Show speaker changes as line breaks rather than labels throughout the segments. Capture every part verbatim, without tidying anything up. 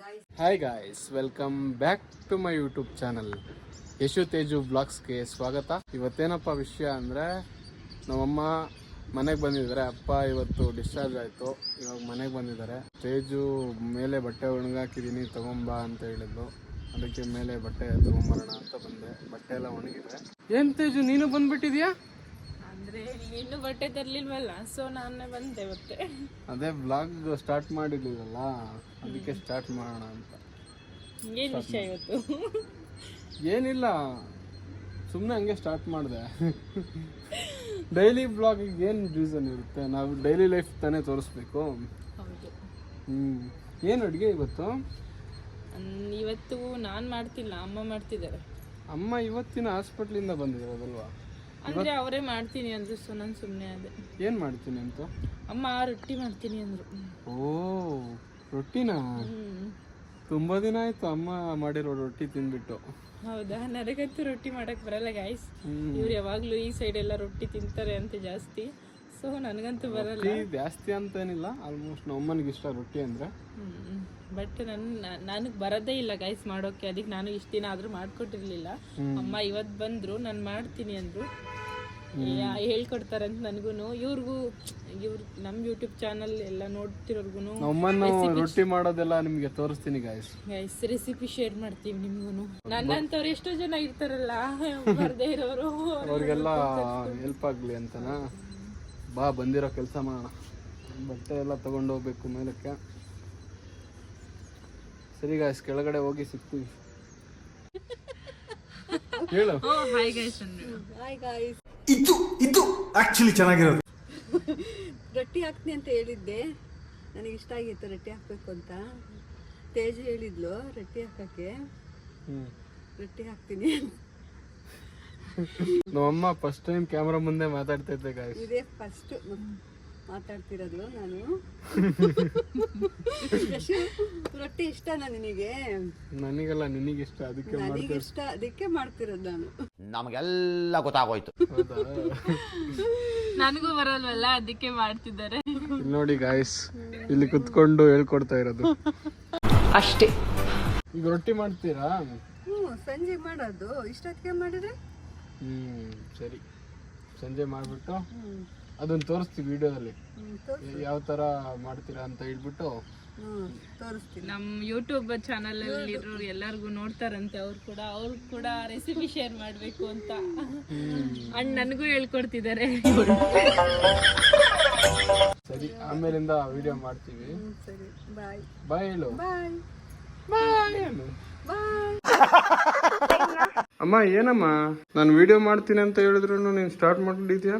Hi guys, welcome back to my YouTube channel Yashu Teju ಬ್ಲಾಗ್ಸ್ಗೆ ಸ್ವಾಗತ. ಇವತ್ತೇನಪ್ಪ ವಿಷಯ ಅಂದರೆ, ನಮ್ಮಮ್ಮ ಮನೆಗೆ ಬಂದಿದ್ದಾರೆ. ಅಪ್ಪ ಇವತ್ತು ಡಿಸ್ಚಾರ್ಜ್ ಆಯಿತು, ಇವಾಗ ಮನೆಗೆ ಬಂದಿದ್ದಾರೆ. ತೇಜು ಮೇಲೆ ಬಟ್ಟೆ ಒಣಗಾಕಿದ್ದೀನಿ ತಗೊಂಬ ಅಂತ ಹೇಳಿದ್ಲು, ಅದಕ್ಕೆ ಮೇಲೆ ಬಟ್ಟೆ ತೊಗೊಂಬರೋಣ ಅಂತ ಬಂದೆ. ಬಟ್ಟೆ ಎಲ್ಲ ಒಣಗಿದೆ. ಏನು ತೇಜು, ನೀನು ಬಂದ್ಬಿಟ್ಟಿದ್ಯಾ?
ಅಂದ್ರೆ ಇನ್ನು ಬಟ್ಟೆ ತರ್ಲಿಲ್ವಲ್ಲ, ಸೊ ನಾನೇ ಬಂದೆ ಮತ್ತೆ.
ಅದೇ ಬ್ಲಾಗ್ ಸ್ಟಾರ್ಟ್ ಮಾಡಿರ್ಲಿಲ್ಲ, ಅದಕ್ಕೆ ಸ್ಟಾರ್ಟ್ ಮಾಡೋಣ ಅಂತ.
ಏನ್ ವಿಷಯ ಇವತ್ತು?
ಏನಿಲ್ಲ, ಸುಮ್ಮನೆ ಹಂಗೆ ಸ್ಟಾರ್ಟ್ ಮಾಡಿದೆ. ಡೈಲಿ ಬ್ಲಾಗಿಗೆ ಏನು ರೀಸನ್ ಇರುತ್ತೆ? ನಾವು ಡೈಲಿ ಲೈಫ್ ತಾನೇ ತೋರಿಸ್ಬೇಕು.
ಹೌದು.
ಹ್ಮ್ ಏನು ಅಡುಗೆ ಇವತ್ತು?
ಅನ್- ಇವತ್ತು ನಾನ್ ಮಾಡ್ತಿಲ್ಲ, ಅಮ್ಮ ಮಾಡ್ತಿದ್ದಾರೆ.
ಅಮ್ಮ ಇವತ್ತಿನ ಹಾಸ್ಪಿಟ್ಲಿಂದ ಬಂದಿರೋದಲ್ವಾ?
ಅಂದ್ರೆ ಅವರೇ ಮಾಡ್ತೀನಿ ಅಂದ್ರು, ಸೊ ನಾನು ಸುಮ್ಮನೆ ಅದೇ.
ಏನು ಮಾಡ್ತೀನಿ ಅಂತ?
ಅಮ್ಮ ರೊಟ್ಟಿ ಮಾಡ್ತೀನಿ ಅಂದ್ರು.
ಓ, ರೊಟ್ಟಿನಾ?
ಹ್ಮ್.
ತುಂಬ ದಿನ ಆಯ್ತು ಅಮ್ಮ ಮಾಡಿರೋ ರೊಟ್ಟಿ ತಿಂದ್ಬಿಟ್ಟು.
ಹೌದಾ? ನನಗಂತೂ ರೊಟ್ಟಿ ಮಾಡಕ್ ಬರಲ್ಲ ಗೈಸ್.
ಹ್ಮ್.
ಇವ್ರು ಯಾವಾಗ್ಲೂ ಈ ಸೈಡ್ ಎಲ್ಲ ರೊಟ್ಟಿ ತಿಂತಾರೆ ಅಂತ ಜಾಸ್ತಿ, ಸೊ ನನಗಂತೂ ಬರಲ್ಲ.
ರೊಟ್ಟಿ ಜಾಸ್ತಿ ಅಂತ ಏನಿಲ್ಲ, ಆಲ್ಮೋಸ್ಟ್ ನಮ್ಮ ಅಮ್ಮನಿಗೆ ಇಷ್ಟ ರೊಟ್ಟಿ ಅಂದರೆ.
ಹ್ಮ್ ಬಟ್ ನನ್ ನನಗೆ ಬರೋದೇ ಇಲ್ಲ ಗೈಸ್ ಮಾಡೋಕೆ, ಅದಕ್ಕೆ ನಾನು ಇಷ್ಟ ದಿನ ಆದ್ರೂ ಮಾಡ್ಕೊಟ್ಟಿರ್ಲಿಲ್ಲ. ಅಮ್ಮ ಇವತ್ತು ಬಂದ್ರು, ನಾನು ಮಾಡ್ತೀನಿ ಅಂದ್ರು. ಯಾ- ಹೇಳ್ಕೊಡ್ತಾರಂತ ನನಗೂನು, ಇವ್ರಿಗೂ ಇವ್ರ ನಮ್ಮ ಯೂಟ್ಯೂಬ್ ಚಾನಲ್ ಎಲ್ಲ ನೋಡ್ತಿರೋರ್ಗು
ನಮ್ಮನ್ನು ರೊಟ್ಟಿ ಮಾಡೋದೆಲ್ಲ ನಿಮಗೆ ತೋರಿಸ್ತೀನಿ ಗಾಯ್ಸ್.
ಗೈಸ್ ರೆಸಿಪಿ ಶೇರ್ ಮಾಡ್ತೀವಿ ನಿಮ್ಗೂ. ನನ್ನಂತವ್ರು ಎಷ್ಟೋ ಜನ ಇರ್ತಾರಲ್ಲ ಬರ್ದೇ ಇರೋರು,
ಅವ್ರಿಗೆಲ್ಲ ಹೆಲ್ಪ್ ಆಗಲಿ ಅಂತನಾ. ಬಾ, ಬಂದಿರೋ ಕೆಲಸ ಮಾಡೋಣ. ಬಟ್ಟೆ ಎಲ್ಲ ತಗೊಂಡು ಹೋಗ್ಬೇಕು ಮೇಲಕ್ಕೆ. ಸರಿ ಗಾಯ್ಸ್, ಕೆಳಗಡೆ ಹೋಗಿ ಸಿಗ್ತೀವಿ. ಹೇಳು.
Hi guys.
Hi guys.
ಇದು ಇದು ಆಕ್ಚುಲಿ ಚೆನ್ನಾಗಿರೋದು.
ರೊಟ್ಟಿ ಹಾಕ್ತೀನಿ ಅಂತ ಹೇಳಿದ್ದೆ, ನನಗೆ ಇಷ್ಟ ಆಗಿತ್ತು ರೊಟ್ಟಿ ಹಾಕ್ಬೇಕು ಅಂತ. ತೇಜು ಹೇಳಿದ್ಲು ರೊಟ್ಟಿ ಹಾಕಕ್ಕೆ,
ಹ್ಮ್
ರೊಟ್ಟಿ ಹಾಕ್ತೀನಿ.
ನಮ್ಮಮ್ಮ ಫಸ್ಟ್ ಟೈಮ್ ಕ್ಯಾಮ್ರಾ ಮುಂದೆ ಮಾತಾಡ್ತೈತೆ ಗಾಯ್ಸ್.
ಇದೇ ಫಸ್ಟ್ ಮಾತಾಡ್ತಿರೋದು ನಾನು. ಯಶು, ರೊಟ್ಟಿ ಇಷ್ಟನಾ ನಿನಗೆ?
ನನಗೆಲ್ಲ ನಿನಗಿಷ್ಟ, ಅದಕ್ಕೆ
ನನಗೆ
ಮಾಡ್ತಾ
ಇಷ್ಟ, ಅದಕ್ಕೆ ಮಾಡ್ತಿರೋದು ನಾನು.
ನಮಗೆಲ್ಲ ಗೊತ್ತಾಗೋಯ್ತು.
ಹೌದಾ?
ನನಗೂ ಬರಲ್ವಲ್ಲ, ಅದಕ್ಕೆ ಮಾಡ್ತಿದ್ದಾರೆ.
ಇಲ್ಲಿ ನೋಡಿ ಗಾಯ್ಸ್, ಇಲ್ಲಿ ಕುತ್ಕೊಂಡು ಹೇಳ್ಕೊಡ್ತಾ ಇರೋದು
ಅಷ್ಟೇ.
ಈಗ ರೊಟ್ಟಿ ಮಾಡ್ತೀರಾ?
ಹ್ಞೂ, ಸಂಜೆ ಮಾಡೋದು. ಇಷ್ಟೊತ್ತಿಗೆ ಮಾಡಿದ್ರೆ
ಹ್ಮ್ ಸರಿ, ಸಂಜೆ ಮಾಡ್ಬಿಟ್ಟು
ಹ್ಞೂ
ಅದನ್ನ ತೋರಿಸ್ತೀವಿ ವಿಡಿಯೋದಲ್ಲಿ,
ಹ್ಞೂ ತೋರಿಸು.
ಯಾವ ತರ ಮಾಡ್ತೀರಾ ಅಂತ ಹೇಳ್ಬಿಟ್ಟು.
ಹ್ಞೂ ತೋರಿಸ್ತೀನಿ.
ನಮ್ಮ ಯೂಟ್ಯೂಬ್ ಚಾನಲ್ ಅಲ್ಲಿ ಇರೋರು ಎಲ್ಲರಿಗೂ ನೋಡ್ತಾರಂತೆ, ಅವ್ರು ಕೂಡ ಅವ್ರು ಕೂಡ ರೆಸಿಪಿ ಶೇರ್ ಮಾಡ್ಬೇಕು ಅಂತ ಅಣ್ಣ ನನಗೂ ಹೇಳ್ಕೊಡ್ತಿದ್ದಾರೆ.
ಸರಿ, ಆಮೇಲಿಂದ ವಿಡಿಯೋ ಮಾಡ್ತೀವಿ.
ಹ್ಞೂ ಸರಿ, ಬಾಯ್
ಬಾಯ್ ಹೇಳು.
ಬಾಯ್
ಬಾಯ್ ಹೇಳು.
ಬಾಯ್.
ಅಮ್ಮ, ಏನಮ್ಮ ನಾನು ವಿಡಿಯೋ ಮಾಡ್ತೀನಿ ಅಂತ ಹೇಳಿದ್ರು ನೀನು ಸ್ಟಾರ್ಟ್ ಮಾಡಿದ್ಯಾ?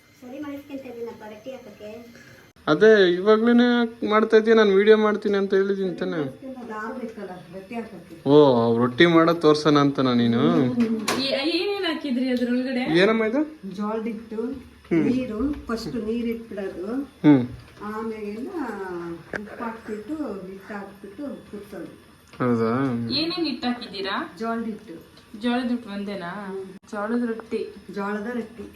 ಅದೇ ಇವಾಗ್ಲೇನೆ ಮಾಡ್ತಾ ಇದೀಯ, ನಾನು ವಿಡಿಯೋ ಮಾಡ್ತೀನಿ ಅಂತ ಹೇಳಿದೀನಿ ತಾನೆ. ಓ, ರೊಟ್ಟಿ ಮಾಡೋದು ತೋರ್ಸೋಣ ಅಂತನಾ ನೀನು?
ಏನೇನ್ ಹಾಕಿದ್ರಿ ಅದ್ರೊಳಗಡೆ?
ಏನಮ್ಮ ಇದು?
ಜೋಳದಿಟ್ಟು ನೀರು, ಫಸ್ಟ್ ನೀರು ಇಟ್ಬಿಡೋದು,
ಹ್ಮ್
ಆಮೇಲೆಲ್ಲ ಉಪ್ಪು ಹಾಕ್ಬಿಟ್ಟು ಹಿಟ್ಟು ಹಾಕ್ಬಿಟ್ಟು ಕುದಿಸೋದು.
ಹೌದಾ?
ಏನೇನ್ ಹಿಟ್ಟು ಹಾಕಿದ್ದೀರಾ?
ಜೋಳದಿಟ್ಟು.
ಜೋಳದ ಹಿಟ್ಟು ಒಂದೇನಾ? ಜೋಳದ ರೊಟ್ಟಿ.
ಜೋಳದ ರೊಟ್ಟಿ.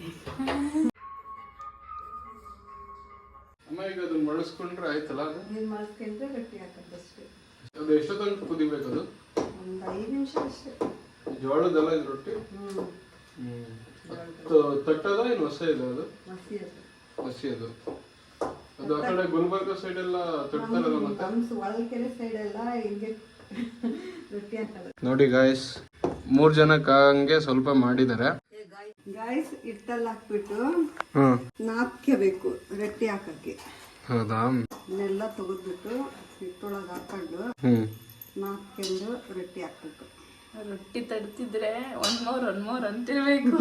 ಅಮ್ಮ, ಈಗ ಅದನ್ನ ಬಳಸ್ಕೊಂಡ್ರೆ ಆಯ್ತಲ್ಲ? ಅದು
ನೀರು ಮಾಡಿಸ್ಕೊಂಡ್ರೆ ರೊಟ್ಟಿ ಹಾಕೋದಷ್ಟೇ.
ಅದು ಎಷ್ಟೊತ್ತಂತ ಕುದಿಬೇಕು? ಅದು
ಒಂದು ಐದು ನಿಮಿಷ ಅಷ್ಟೇ.
ಜೋಳದಲ್ಲ ಇದು ರೊಟ್ಟಿ?
ಹ್ಞೂ
ಹ್ಮ್ ತ- ತಟ್ಟದ ಏನು ಹೊಸ ಇದೆ? ಅದು
ಮಸಿ ಅದು.
ಹಸಿ ಅದು. ಅದು ಆ ಕಡೆ ಗುಲ್ಬರ್ಗ ಸೈಡ್ ಎಲ್ಲ ತಟ್ತಾರಲ್ಲ ಮತ್ತೆ.
ನಮ್ಮ ಒಳಕೆರೆ ಸೈಡೆಲ್ಲ ಹಿಂಗೆ ರೊಟ್ಟಿ ಹಾಕೋದು.
ನೋಡಿ ಗಾಯ್ಸ್, ಮೂರ್ ಜನಕ್ಕೆ ಹಂಗೆ ಸ್ವಲ್ಪ ಮಾಡಿದ್ದಾರೆ.
ಗಾಯ್ಸ್, ಹಿಟ್ಟಲ್ಲಿ ಹಾಕ್ಬಿಟ್ಟು
ಹ್ಮ್
ನಾದ್ಕೋಬೇಕು ರೊಟ್ಟಿ ಹಾಕಕ್ಕೆ.
ಹೌದಾ?
ಇದನ್ನೆಲ್ಲ ತೆಗೆದ್ಬಿಟ್ಟು ಹಿಟ್ಟೊಳಗೆ ಹಾಕೊಂಡು
ಹ್ಮ್
ನಾದ್ಕೊಂಡು ರೊಟ್ಟಿ ಹಾಕ್ಬೇಕು.
ರೊಟ್ಟಿ ತಡ್ತಿದ್ರೆ ಒಂದ್ ಮೋರ್ ಒಂದ್ ಮೋರ್ ಅಂತಿರ್ಬೇಕು.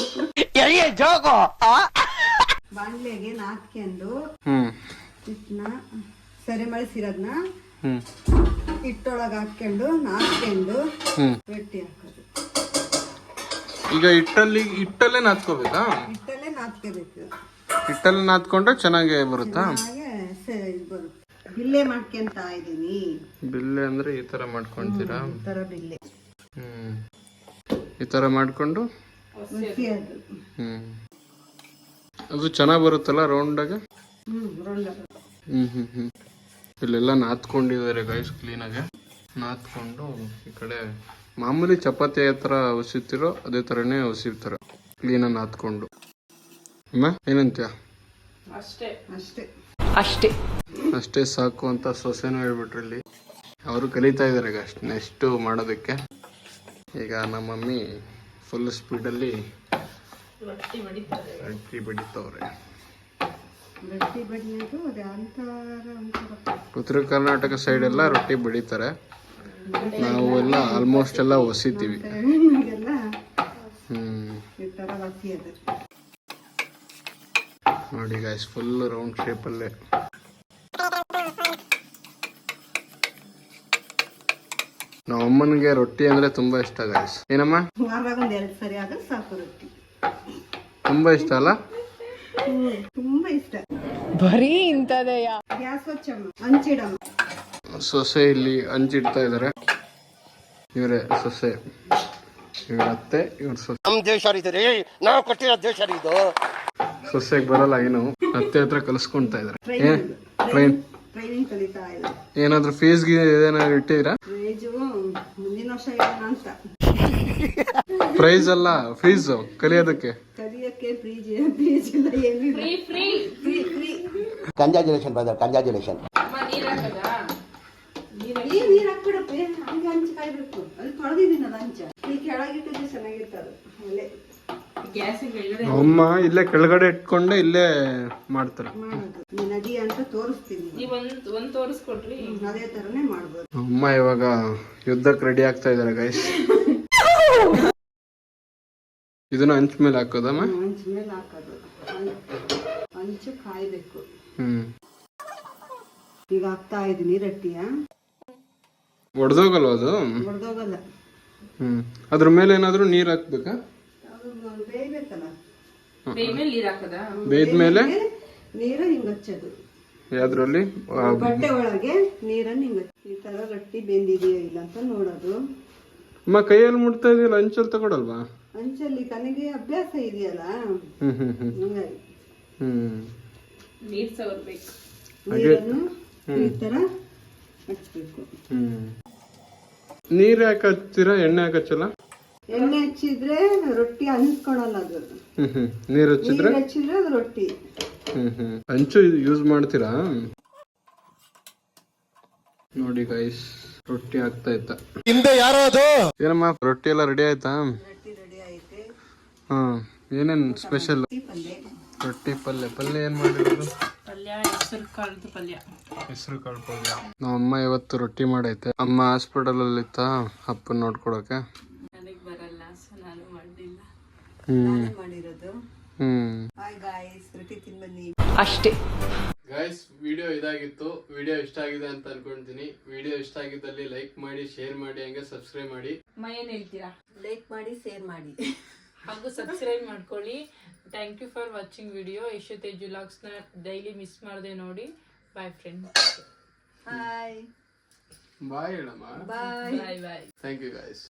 ಬಾಣಲೆಗೆ ನಾದ್ಕೊಂಡು
ಹ್ಮ್
ಹಿಟ್ಟನ್ನ ಸರಿ ಮಳಿಸಿರೋದನ್ನ
ಹ್ಮ್
ಹಿಟ್ಟೊಳಗೆ ಹಾಕ್ಕೊಂಡು ನಾದ್ಕೊಂಡು
ಹ್ಮ್
ರೊಟ್ಟಿ ಹಾಕೋದು.
ಈಗ ಹಿಟ್ಟಲ್ಲಿ ಹಿಟ್ಟಲ್ಲೇ ನಾದ್ಕೋಬೇಕಾ?
ಹಿಟ್ಟಲ್ಲೇ ನಾದ್ಕೋಬೇಕು.
ಹಿಟ್ಟಲ್ಲಿ ನಾದ್ಕೊಂಡ್ರೆ ಚೆನ್ನಾಗಿ ಬರುತ್ತಾ?
ಹಾಗೆ ಸ- ಇದು ಬರುತ್ತೆ. ಬಿಲ್ಲೆ ಮಾಡ್ಕೊಂತ ಇದ್ದೀನಿ.
ಬಿಲ್ಲೆ ಅಂದ್ರೆ ಈ ತರ ಮಾಡ್ಕೊಂತೀರಾ?
ಈ ಥರ ಬಿಲ್ಲೆ.
ಹ್ಮ್ ಈ ತರ ಮಾಡ್ಕೊಂಡು
ಮಸಿ ಅದು.
ಹ್ಮ್ ಅದು ಚೆನ್ನಾಗಿ ಬರುತ್ತಲ್ಲ ರೌಂಡಾಗ?
ಹ್ಞೂ ರೊಂಡ.
ಹ್ಮ್ ಹ್ಮ್ ಹ್ಮ್ ಇಲ್ಲೆಲ್ಲ ನಾದ್ಕೊಂಡಿದ್ದಾರೆ ಗೈಸ್ ಕ್ಲೀನಾಗೆ. ನಾದ್ಕೊಂಡು ಈ ಕಡೆ ಮಾಮೂಲಿ ಚಪಾತಿ ಥರ ಹೊಸಿತಿರೋ ಅದೇ ಥರನೇ ಹೊಸಿತಾರೆ ಕ್ಲೀನಾಗಿ ನಾದ್ಕೊಂಡು. ಅಮ್ಮ ಏನಂತೀಯ?
ಅಷ್ಟೇ
ಅಷ್ಟೇ
ಅಷ್ಟೇ
ಅಷ್ಟೇ ಸಾಕು ಅಂತ ಸೊಸೆನೂ ಹೇಳ್ಬಿಟ್ರು ಇಲ್ಲಿ. ಅವರು ಕಲಿತಾ ಇದ್ದಾರೆ ಈಗ ಅಷ್ಟು ನೆಕ್ಸ್ಟು ಮಾಡೋದಕ್ಕೆ. ಈಗ ನಮ್ಮ ಮಮ್ಮಿ ಫುಲ್ ಸ್ಪೀಡಲ್ಲಿ
ರೊಟ್ಟಿ ಬಡಿತಾರೆ.
ರೊಟ್ಟಿ ಬಡಿತವ್ರೆ.
ರೊಟ್ಟಿ ಬಡಿಯೋದು ಅದೇ ಅಂತಾರ ಅಂತಾರ.
ಉತ್ತರ ಕರ್ನಾಟಕ ಸೈಡ್ ಎಲ್ಲ ರೊಟ್ಟಿ ಬಡಿತಾರೆ, ನಾವು ಎಲ್ಲ ಆಲ್ಮೋಸ್ಟ್ ಎಲ್ಲ ಹೊಸಿತೀವಿ.
ನಮಗೆಲ್ಲ
ಹ್ಮ್
ಈ ಥರ ಹಸಿ ಅದು.
ನೋಡಿ ಗಾಯ್ಸ್ ಫುಲ್ ರೌಂಡ್ ಶೇಪಲ್ಲೇ. ನಮ್ಮ ಅಮ್ಮನಿಗೆ ರೊಟ್ಟಿ ಅಂದ್ರೆ ತುಂಬಾ ಇಷ್ಟ ಗಾಯ್ಸ್. ಏನಮ್ಮ?
ವಾರದಾಗ ಒಂದ್ ಎರಡು ಸರಿ ಆದ್ರೆ ಸಾಕು ರೊಟ್ಟಿ.
ತುಂಬಾ ಇಷ್ಟ ಅಲ್ಲ?
ಹ್ಮ್ ತುಂಬಾ ಇಷ್ಟ.
ಬರೀ ಇಂಥದೆಯಾ?
ಗ್ಯಾಸ್ ಹಚ್ಚಮ್ಮ, ಹಂಚಿಡಮ್ಮ.
ಸೊಸೆ ಇಲ್ಲಿ ಹಂಚಿಡ್ತಾ ಇದಾರೆ. ಇವರೇ ಸೊಸೆ, ಇವ್ರ ಅತ್ತೆ, ಇವ್ರ ಸೊಸೆ.
ನಮ್ ದೇಶ ರೀ, ನಾವು ಕೊಟ್ಟಿರೋ ದೇಶ ರೀ ಇದು.
ಸೊಸೆಗೆ ಬರಲ್ಲ ಏನು, ಅತ್ತೆ ಹತ್ರ ಕಲಿಸ್ಕೊಂತಾ ಇದಾರೆ. ಏನ್ ಟ್ರೈನ್
ಟ್ರೈನಿಂಗ್ ಕಲಿತಾ ಇಲ್ಲ.
ಏನಾದ್ರು ಫೀಸ್ಗೆ ಏನಾದ್ರು ಇಟ್ಟಿದ್ದೀರಾ?
ರೇಜು ಮುಂದಿನ ವರ್ಷ ಹೇಳೋಣ ಅಂತ.
ಪ್ರೈಸ್ ಅಲ್ಲ, ಫೀಸ್ ಕಲಿಯೋದಕ್ಕೆ.
ಕಲಿಯಕ್ಕೆ ಫ್ರೀಜ್ ಫ್ರೀಜ್ ಇಲ್ಲ, ಏನಿಲ್ಲ.
Free free
free free
congratulation brother, congratulation.
ನೀರ್ ಹಾಕದಾ?
ಈ ನೀರ್ ಹಾಕ್ಬಿಡಪ್ಪ, ಹಂಗೆ ಹಂಚಿ ಕಾಯ್ಬೇಕು. ಅಲ್ಲಿ ತೊಳೆದಿದ್ದೀನಲ್ಲ ಹಂಚ, ಈ ಕೆಳಗಿಟ್ಟಿದ್ರೆ ಚೆನ್ನಾಗಿರ್ತದೆ ಒಳ್ಳೆ.
ಗ್ಯಾಸಿಗೆ ಎಳ್ಳೆ
ಅಮ್ಮ ಇಲ್ಲೇ ಕೆಳಗಡೆ ಇಟ್ಕೊಂಡೆ ಇಲ್ಲೇ ಮಾಡ್ತಾರೆ.
ಮಾಡೋದು ಈ ನದಿ ಅಂತ ತೋರಿಸ್ತೀನಿ.
ನೀವ್ ಒಂದ್ ಒಂದ್ ತೋರಿಸ್ಕೊಡ್ರಿ.
ಅದೇ ತರನೇ ಮಾಡ್ಬೋದು.
ಅಮ್ಮ ಇವಾಗ ಯುದ್ಧಕ್ಕೆ ರೆಡಿ ಆಗ್ತಾ ಇದಾರೆ ಗೈಸ್. ಇದನ್ನ ಹಂಚ್ ಮೇಲೆ ಹಾಕೋದಮ್ಮ?
ಹಂಚ ಮೇಲೆ ಹಾಕೋದು. ಹಂಚು ಕಾಯ್ಬೇಕು.
ಹ್ಮ್
ಈಗ ಹಾಕ್ತಾ ಇದೀನಿ ರೊಟ್ಟಿಯ.
ಒಡ್ದೋಗಲ್ವ ಅದು?
ಹೊಡೆದೋಗಲ್ಲ.
ಹ್ಮ್ ಅದ್ರ ಮೇಲೆ ಏನಾದ್ರು ನೀರ್ ಹಾಕ್ಬೇಕಾ?
ಅದು ಬೇಯ್ಬೇಕಲ್ಲ.
ಬೇಯ್ಮೇಲೆ ನೀರ್ ಹಾಕದಾ?
ಬೇಯ್ದ್ಮೇಲೆ
ನೀರ ಹಿಂಗ್ ಹಚ್ಚೋದು.
ಯಾವ್ದ್ರಲ್ಲಿ?
ಬಟ್ಟೆ ಒಳಗೆ ನೀರನ್ನ ಹಿಂಗ್ ಹಚ್ಚಿ ಈ ತರ ರೊಟ್ಟಿ ಬೆಂದಿದೆಯೋ ಇಲ್ಲ ಅಂತ ನೋಡೋದು.
ಅಮ್ಮ ಕೈಯಲ್ಲಿ ಮುಟ್ತಾ ಇದೆಯಲ್ಲ, ಹಂಚಲ್ಲಿ ತಗೊಳಲ್ವಾ?
ಹಂಚಲ್ಲಿ ತನಗೆ ಅಭ್ಯಾಸ ಇದೆಯಲ್ಲ,
ಹ್ಮ್ ಹ್ಮ್ ಹ್ಮ್
ಹಂಗಾಗಿ
ಹ್ಮ್
ನೀರ್ ಸವರ್ಬೇಕು.
ನೀರನ್ನು ಈ ತರ ಹಚ್ಬೇಕು.
ಹ್ಮ್ ನೀರ್ ಯಾಕೆ ಹಚ್ತೀರಾ? ಎಣ್ಣೆ ಯಾಕೆ ಹಚ್ಚಲ್ಲ?
ಎಣ್ಣೆ ಹಚ್ಚಿದ್ರೆ ರೊಟ್ಟಿ ಅನ್ಸ್ಕೊಳಲ್ಲ ಅದು.
ಹ್ಮ್ ಹ್ಮ್ ನೀರ್ ಹಚ್ಚಿದ್ರೆ?
ನೀರ್ ಹಚ್ಚಿದ್ರೆ ಅದು ರೊಟ್ಟಿ.
ಹ್ಮ್ ಹ್ಮ್ ಹಂಚು ಯೂಸ್ ಮಾಡ್ತೀರಾ? ನೋಡಿ ಗೈಸ್ ರೊಟ್ಟಿ ಆಗ್ತಾ ಇತ್ತ.
ಹಿಂದೆ ಯಾರೋ ಅದು.
ಏನಮ್ಮ ರೊಟ್ಟಿ ಎಲ್ಲ ರೆಡಿ ಆಯ್ತಾ?
ರೊಟ್ಟಿ ರೆಡಿ ಐತೆ.
ಹಾ ಏನೇನ್ ಸ್ಪೆಷಲ್?
ಪಲ್ಯ
ರೊಟ್ಟಿ ಪಲ್ಯ. ಪಲ್ಯ ಏನ್ ಮಾಡಿರೋದು?
ಪಲ್ಯ ಹೆಸರು ಕಾಳದ ಪಲ್ಯ.
ಹೆಸರು ಕಾಳು ಪಲ್ಯ. ನಮ್ಮ ಅಮ್ಮ ಇವತ್ತು ರೊಟ್ಟಿ ಮಾಡೈತೆ. ಅಮ್ಮ ಹಾಸ್ಪಿಟಲ್ ಅಲ್ಲಿ ಇತ್ತ ಅಪ್ಪನ್ ನೋಡ್ಕೊಳಕ್ಕೆ.
ನನಗ್ ಬರಲ್ಲ, ಸೊ ನಾನು ಮಾಡಿಲ್ಲ.
ಹ್ಮ್
ಮಾಡಿರೋದು.
ಹ್ಮ್
ಹಾಯ್ ಗಾಯ್ಸ್, ರೊಟ್ಟಿ ತಿನ್ ಬನ್ನಿ.
ಅಷ್ಟೇ
ಗೈಸ್ ವಿಡಿಯೋ ಇದಾಗಿತ್ತು. ವಿಡಿಯೋ ಇಷ್ಟ ಆಗಿದೆ ಅಂತ ಅನ್ಕೊಂತೀನಿ. ವಿಡಿಯೋ ಇಷ್ಟ ಆಗಿದ್ದಲ್ಲಿ ಲೈಕ್ ಮಾಡಿ, ಶೇರ್ ಮಾಡಿ, ಹಂಗೆ ಸಬ್ಸ್ಕ್ರೈಬ್ ಮಾಡಿ.
ಅಮ್ಮ ಏನ್ ಹೇಳ್ತೀರಾ?
ಲೈಕ್ ಮಾಡಿ, ಶೇರ್ ಮಾಡಿ,
ಹಾಗೂ ಸಬ್ಸ್ಕ್ರೈಬ್ ಮಾಡ್ಕೊಳ್ಳಿ. Thank you for watching video. Yashu Teju ವ್ಲಾಗ್ಸ್ನ ಡೈಲಿ ಮಿಸ್ ಮಾಡದೆ ನೋಡಿ. Bye friend.
ಹಾಯ್
ಬಾಯ್ ಹೇಳಮ್ಮ.
Bye
bye bye.
Thank you guys.